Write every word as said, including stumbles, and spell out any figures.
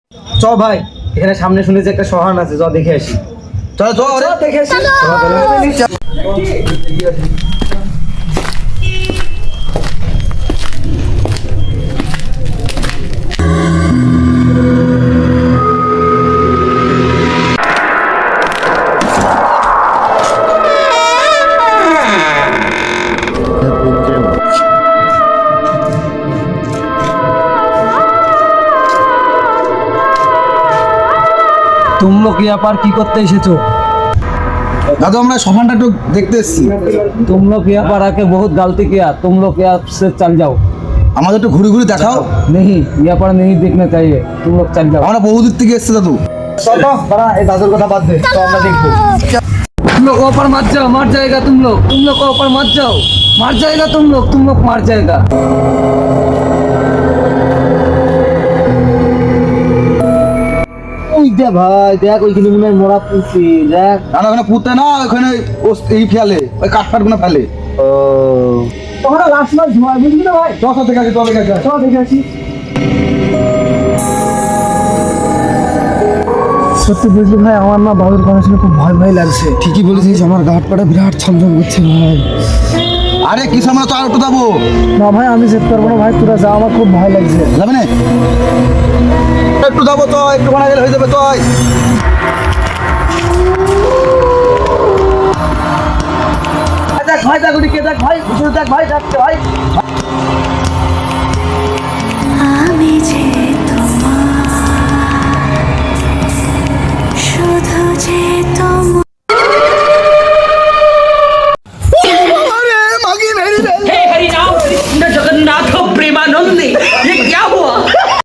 চ ভাই, এখানে সামনে শুনেছি একটা শহান আছে, চ দেখে আসি। চল চল চ দেখে আসি। तुम लोग यहाँ पर की करते एसेছো? দাদু আমরা সফানটা একটু দেখতে এসেছি। तुम लोग यहाँ पर आके बहुत गलती किया, तुम लोग यहाँ से चल जाओ। আমাদের একটু ঘুরে ঘুরে দেখাও। नहीं, यहाँ पर नहीं देखना चाहिए, तुम लोग चल जाओ। আমরা বহুদূর থেকে এসেছি দাদু। चलो बड़ा ये दादुर কথা বাদ দে, তো আমরা দেখবো। तुम लोग ऊपर मत जाओ, मर जाएगा तुम लोग। तुम लोग ऊपर मत जाओ, मर जाएगा तुम लोग। तुम लोग मर जाएगा। ওই দে ভাই, দেখ ওইখানে মনে হয় মোড়া পুঁতি, দেখ। না না ওখানে পুঁতে না, ওখানে ও- এই ফেলে ওই কাঠ ফাট গুলো ফেলে। ও তোমরা লাস্ট মাস ধোয়া বুঝলি না ভাই? চল চল দেখে আসি, চল দেখে আসি। চল দেখে আসি। সত্যি বুঝলি ভাই, আমার না বাবুর কথা শুনে খুব ভয় ভয় লাগছে। ঠিকই বলেছিস, আমার গাঁট পাটা বিরাট ছমছম করছে ভাই। আরে কি সামনে তো আর একটু যাবো। না ভাই আমি যেতে পারবো না ভাই, তোরা যা, আমার খুব ভয় লাগছে। যাবে না? একটু যাবো তো, একটু বানা গেলে হয়ে যাবে তো। দেখ ভাই, দেখ ওদিকে দেখ ভাই, পিছনে দেখ ভাই, যাচ্ছে ভাই। আমি যে